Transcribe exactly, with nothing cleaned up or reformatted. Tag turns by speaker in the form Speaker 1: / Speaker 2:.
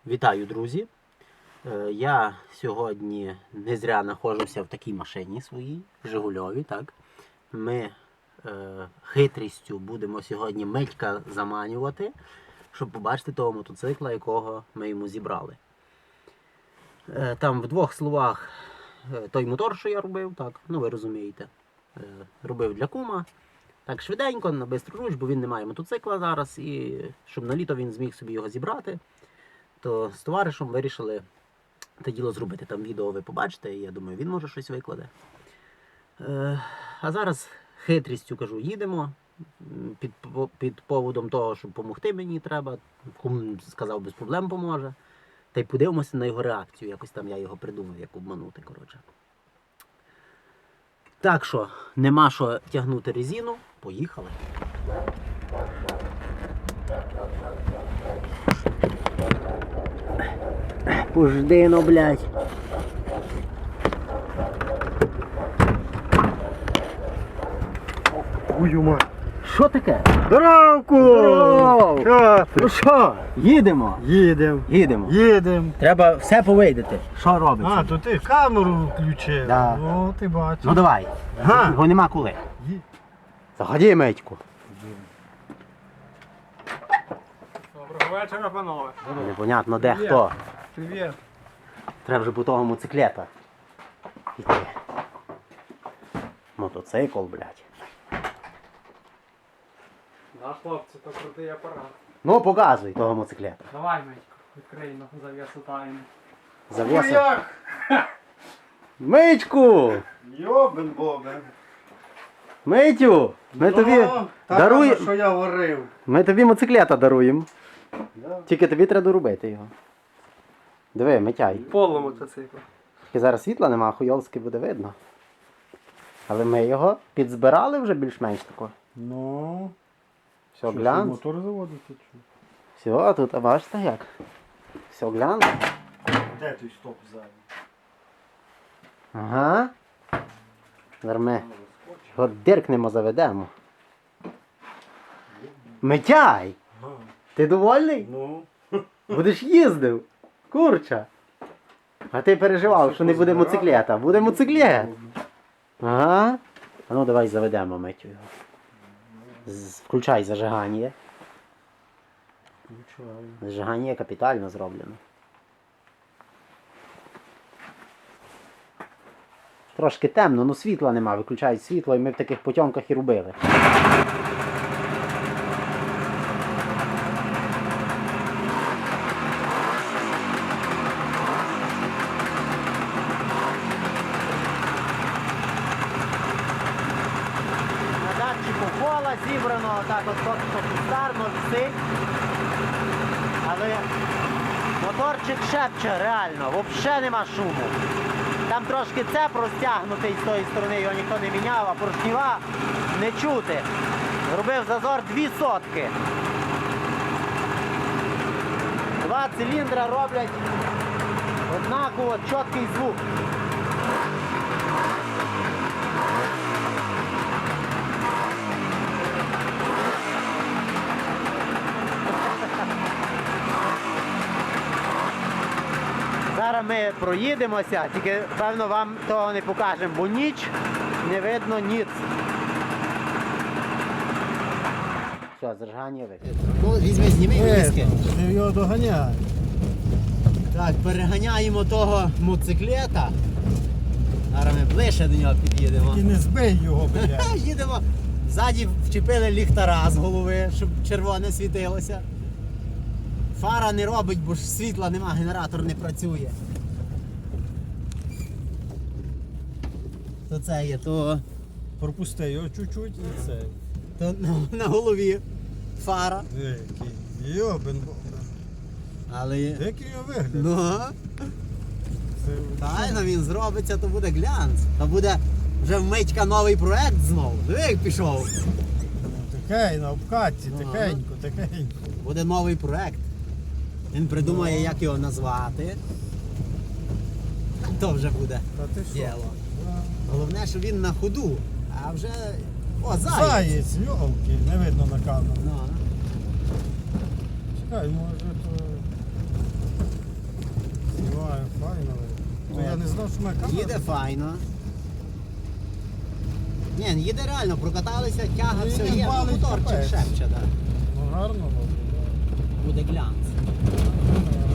Speaker 1: Вітаю, друзі! Я сьогодні не зря знаходжуся в такій машині своїй, Жигульові, так? Ми е, хитрістю будемо сьогодні Митька заманювати, щоб побачити того мотоцикла, якого ми йому зібрали. Е, там в двох словах е, той мотор, що я робив, так, ну ви розумієте, е, робив для кума. Так швиденько, на бистру руч, бо він не має мотоцикла зараз, і щоб на літо він зміг собі його зібрати, то з товаришем вирішили те діло зробити. Там відео ви побачите, і я думаю, він може щось викладе. Е, а зараз хитрістю, кажу, їдемо. Під, під поводом того, щоб допомогти мені треба. Кум сказав, без проблем поможе. Та й подивимося на його реакцію. Якось там я його придумав, як обманути, коротше. Так що, нема що тягнути резину. Поїхали. Пожди, ну, блядь.
Speaker 2: Ую мать.
Speaker 1: Що таке?
Speaker 2: Здоровку!
Speaker 1: Здоров!
Speaker 2: Що ти?
Speaker 1: Ну що, їдемо?
Speaker 2: Їдем.
Speaker 1: Їдемо.
Speaker 2: Їдем.
Speaker 1: Треба все повидати. Що робиться?
Speaker 2: А, то ти камеру включив.
Speaker 1: Да.
Speaker 2: О, ти бачиш.
Speaker 1: Ну давай.
Speaker 2: Ага.
Speaker 1: Його нема коли.
Speaker 2: Ї-
Speaker 1: Заходи, Митьку.
Speaker 3: Доброго вечора, панове.
Speaker 1: Непонятно де хто.
Speaker 3: Привіт.
Speaker 1: Треба вже по того моциклета йти. Мотоцикл, блядь.
Speaker 3: Да, хлопці, то крутий апарат.
Speaker 1: Ну, показуй того моциклета.
Speaker 3: Давай, Митько, відкриємо завісу тайну.
Speaker 1: Завоса. Митьку!
Speaker 2: Йобен бобен.
Speaker 1: Митю! Ми тобі даруємо.
Speaker 2: що я варив.
Speaker 1: Ми тобі моциклета даруємо.
Speaker 2: Да.
Speaker 1: Тільки тобі треба доробити його. Диви, Митяй.
Speaker 3: Поло мотоцикл.
Speaker 1: Тільки зараз світла нема, хуйовськи буде видно. Але ми його підзбирали вже більш-менш тако.
Speaker 2: Ну,
Speaker 1: Все
Speaker 2: що,
Speaker 1: глянц.
Speaker 2: мотор заводити чи?
Speaker 1: Все, тут, а бачите як? Все глянц.
Speaker 2: Де той стоп ззаду?
Speaker 1: Ага. Зараз ми його диркнемо, заведемо. Митяй!
Speaker 2: Ага.
Speaker 1: Ти довольний?
Speaker 2: Ну.
Speaker 1: Будеш їздив? Курча. А ти переживав, що не буде моциклета. Буде моциклет. Ага. А ну давай заведемо Митю його. З- Включай зажигання.
Speaker 2: Включаю.
Speaker 1: Зажигання капітально зроблено. Трошки темно, ну світла нема, виключають світло, і ми в таких потьомках і робили. На датчику кола зібрано, так от поки що кустарно висить. Але моторчик шепче реально, взагалі нема шуму. Там трошки цеп розтягнутий з тої сторони, його ніхто не міняв, а поршніва не чути. Зробив зазор дві сотки. Два циліндра роблять однаково чіткий звук. Зараз ми проїдемося, тільки певно вам того не покажемо, бо ніч не видно ніц. Все, зажигання виключно. Ну, візьми, зніми візки.
Speaker 2: Ти його доганяй.
Speaker 1: Так, переганяємо того моциклета. Зараз ми ближче до нього під'їдемо.
Speaker 2: І не збий його, блядь.
Speaker 1: Їдемо. Ззаді вчепили ліхтара з голови, щоб червоне світилося. Фара не робить, бо ж світла нема, генератор не працює. То це є, то,
Speaker 2: Пропусти його чуть-чуть і це.
Speaker 1: то на, на голові фара.
Speaker 2: Який. Йобен бобен.
Speaker 1: Але є.
Speaker 2: Який його вигляд?
Speaker 1: Ну,
Speaker 2: Це...
Speaker 1: правильно, він зробиться, то буде глянц. То буде вже в Митька новий проект знову. Диви, як пішов.
Speaker 2: Тихень, на обкатці,
Speaker 1: Ага.
Speaker 2: тихенько, тихенько.
Speaker 1: Буде новий проект. Він придумає, як його назвати. То вже буде
Speaker 2: Та ти що?
Speaker 1: діло.
Speaker 2: Да.
Speaker 1: Головне, що він на ходу. А вже... О, заєць!
Speaker 2: Заєць, йолки, не видно на камеру.
Speaker 1: Ну,
Speaker 2: Чекай, може то... знімаю, файно. То я
Speaker 1: От.
Speaker 2: не знав, що моя камера.
Speaker 1: Їде файно. Ні, їде реально, прокаталися, тяга,
Speaker 2: Ні,
Speaker 1: все
Speaker 2: ні,
Speaker 1: є, ну,
Speaker 2: валить
Speaker 1: моторчик
Speaker 2: капець.
Speaker 1: шепче, так.
Speaker 2: Ну гарно робить.
Speaker 1: Буде глянц.
Speaker 2: Да.